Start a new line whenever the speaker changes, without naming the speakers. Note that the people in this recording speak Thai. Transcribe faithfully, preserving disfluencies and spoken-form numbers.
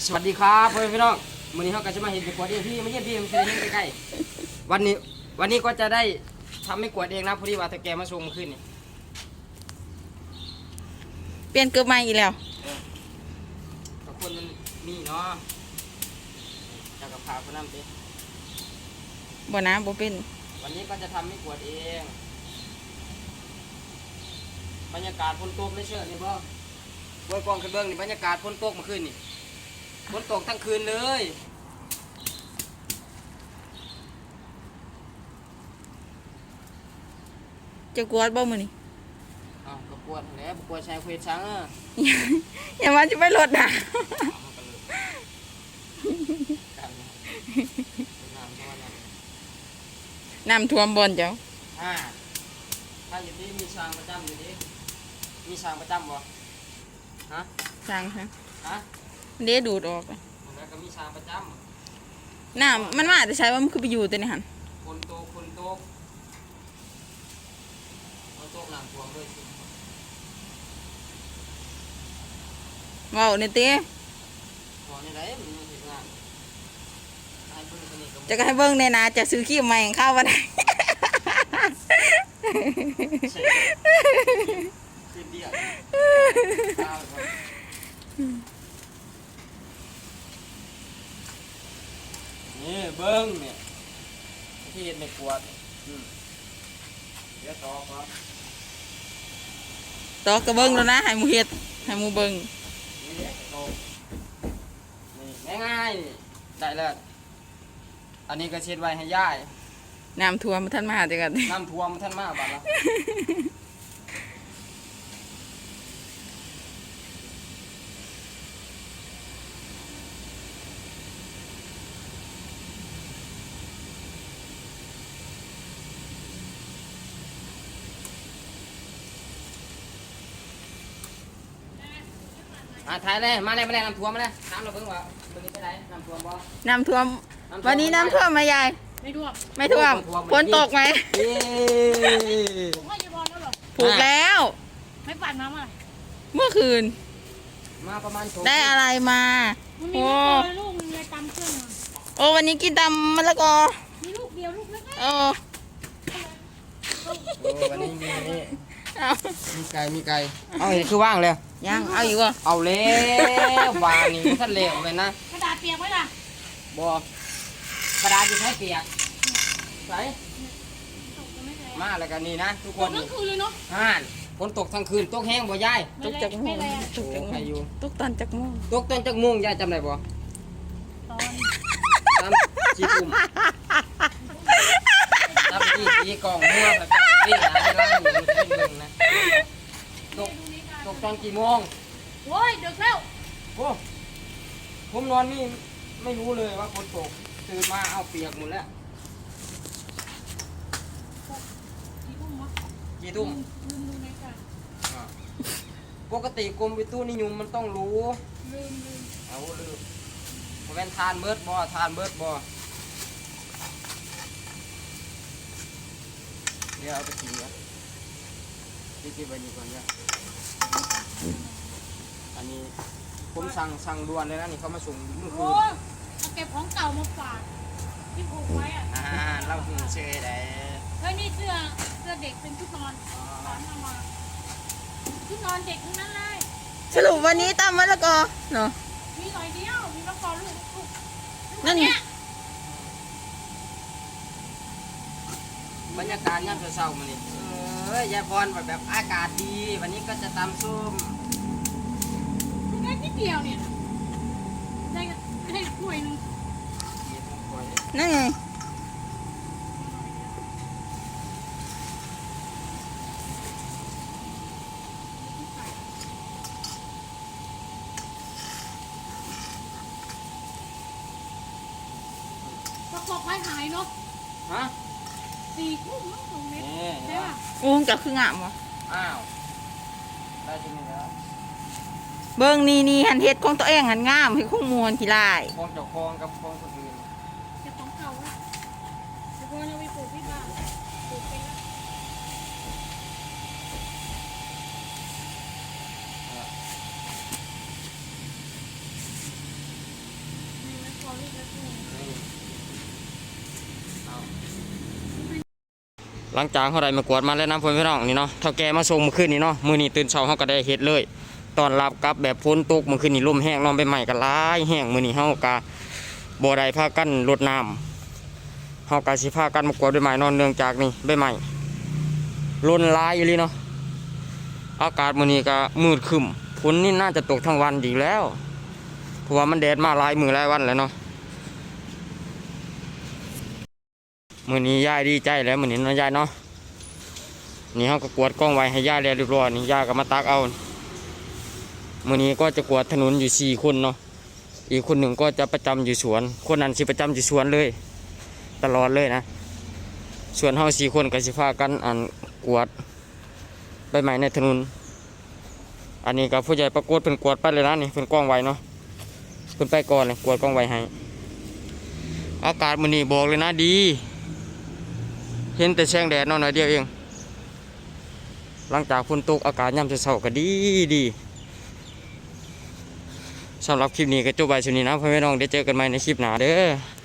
สวัสดีครับพ่อพี่น้องวันนี้เขาก็จะมาเห็นเป็นกวดเองพี่ไม่เยี่ยมพี่มันจะเห็นใกล้ๆวันนี้วันนี้ก็จะได้ทำให้กวดเองนะพอดีว่าตะแกมาส่งขึ้นนี่
เปลี่ยนเกือบใหม่อีกแล้ว
กับคนมันมีเนาะจะกับพาคนนั่นไป
บ่นะบ่เป็น
วันนี้ก็จะทำให้กวดเองบรรยากาศฝนตกไม่เชื่อนี่พ่อเบื้องกองขึ้นเบื้องนี่บรรยากาศฝนตกเมื่อคืนนี่ฝนตกทั้งคืนเลย
จะกวดบ่มื้อนี้
อ้าวก็กวดแล้วกวดชายคุยช้างอ่ะ
อย่ามาจะไปรถน่ะน้ำท่วมบ่อนเจ้า
อ่าถ้าอยู่ที่มีช้างประจำอยู่ที่มีช้างประจำบ่ฮะ
ช้างฮะ
ฮะ
เด้ดูดออก
แล้วก็มีช้างประจ
ำน้ำมันมาแต่ใช้ว่ามันคือไปอยู่แต่ในหัน
คนโตคนโตคนโตหลังท่วมด้วยสิ
ว้าวเนี่ยเต้
บ่นี่ได้มันเฮ็ดงานให้เบิ่งตัวนี้ก็
จะให้เบิ่งในนาจะซื้อขี้ใหม่เข้าบ่ได้
สิเดียวนี่เบิ้งเนี่ยที่เห็นในขวดเดี๋ยวต่อครับ
ต่อกระเบิ้งแล้วนะให้หมูเฮ็ดให้หมูเบิ้ง
นี่โตนี่ง่ายๆนี่ได้แล้วอันนี้ก็เช็ดไว้ให้ย่าย
น้ำท่วมท่านมาจังกัน
น้ำท่วมท่านมาบัดละอ่ะถ่ายเลยมาเลยมาเลยน้ำท่วมมาเลยน้ำเราเพิ่งว่าวันนี้ไปไหนน้ำท่วมบ่
น้ำท่วมวันนี้น้ำท่วมไหมยาย
ไม่ท่วม
ไม่ท่วมฝนตกไหม
ผมว่าจะบอลแล้วหรอ
ผูกแล้ว
ไม่ปั่นมาเมื่อ
เมื่อคืน
มาประมาณ
ได้อะไรมา
โอ้ลูกมันเลยตำเครื่อง
โอ้วันนี้กินตำมะละกอ
มีลูกเดียวลูกเล็ก
โอ้
วันนี้มีนี่มีไก่มีไก่เอาเห็นคือว่างเลย
ยังเอาอยู่วะ
เอาเล้ววางนี่ท่านเลี้ยวไปนะ
กระดาษเปียกไว้ล่ะ
บอกกระดาษอยู่ใช้เปียกใส่มาแล้วกันนี่นะทุกคน
ทั้งคืนเลยเนาะ
ฮ่านฝนตกทั้งคืนตกแห้งบ่ยาย
ตกจากโมงตกจาก
ใครอยู่
ตกตอนจากโมง
ตกตอนจากโมงยายจำได้บ่
ตอน
ตามจีตุ่มตามจีจีกองมั่วแบบนี้นะให้ล่างอยู่ที่หนึ่งนะตกตกตอนกี่โมง
โอ้ยดึกแล้ว
โอ้ผมนอนนี่ไม่รู้เลยว่าฝนตกตื่นมาเอาเปียกหมดแล้วกี่ทุ่มปกติกรมวิตุนิยมมันต้องรู้
ลืมลืม
เอาลืมผมเป็นทานเบิร์ดบอทานเบิร์ดบอเดี๋ยวเอาไปกินนะที่กินไปนี่ก่อนเนี่ยอันนี้ผมสั่งสั่งด่วนเลยนะนี่เขามาส่งเมื่อคืน
เอาเก็บของเก่ามาฝากที่ผูกไว้อ่ะ
อ่าเราหูเชยได้
เฮ้ยนี่เสื้อเสื้อเด็กเป็นชุดนอนสอนมาชุดนอนเด็กทั้งนั้นเลย
สรุปวันนี้ตำมะละกอเนาะ
มีหน่อยเดียวมีมะละกอลูกลูก
นั่นไง
บรรยากาศยามเช้าๆมานี่เออยายพรแบบแบบอากาศดีวันนี้ก็จะตำส้ม
ได้นิดเดียวเนี่ยได้ได้ถ้วยนึง
นั่นไง
ประกอบไว้หายเนาะ
ฮะ
สี่ทุ่มมั้งสองเมตรใช่ป่ะ
โอ้จับคืองามวะ
อ้าวได้จริงไหมครับ
เบิ้งนี่นี่หันเฮ็ดของตัวเองหันงามให้คงมวนขี้ลาย
คลองเจ้าคลองกับคลองคนอื่น
เก็บของเก่าไว้เดี๋ยวพอเราไปปลูกที่บ้านปลูกไปแล้วลูกแล้วนี่
หลังจากเขาได้มากวดมาแล้วนะพ่อพี่น้องนี่เนาะเท่าแกมาส่งเมื่อคืนนี้เนาะมื้อนี้ตื่นเช้าเขาก็ได้เฮ็ดเลยตอนรับกับแบบฝนตกเมื่อคืนนี้ลมแห้งนอนใบไม้ก็หลายแห้งมื้อนี้เฮาก็บ่ได้พากันรดน้ำเฮาก็สิพากันมากวดใบไม้นอนเนื่องจากนี่ใบไม้ล้นหลายอีหลีเนาะอากาศมื้อนี้ก็มืดครึ้มฝนนี่น่าจะตกทั้งวันอีกแล้วเพราะว่ามันแดดมาหลายมื้อหลายวันแล้วเนาะมื้อนี้ยายดีใจแล้วมื้อนี้เนาะยายเนาะนี่เฮาก็กวดกล้องไว้ให้ยายแล้วเรียบร้อยนี่ยายก็มาตักเอามื้อนี้ก็จะกวดถนนอยู่สี่คนเนาะอีกคนหนึ่งก็จะประจำอยู่สวนคนนั้นสิประจำอยู่สวนเลยตลอดเลยนะส่วนเฮาสี่คนก็สิพากันอันกวดใบไม้ในถนนอันนี้ก็ผู้ใหญ่ประกวดเป็นกวดไปเลยนะนี่เป็นกล้องไว้เนาะเป็นไปก่อนเลยกวดกล้องไว้ให้อากาศมื้อนี้บอกเลยนะดีเห็นแต่แสงแดดเนาะหน่อยเดียวเองหลังจากฝนตกอากาศยามเช้าๆก็ดีดีสำหรับคลิปนี้ก็จบไว้ช่วงนี้นะพ่อแม่น้องได้เจอกันใหม่ในคลิปหน้าเด้อ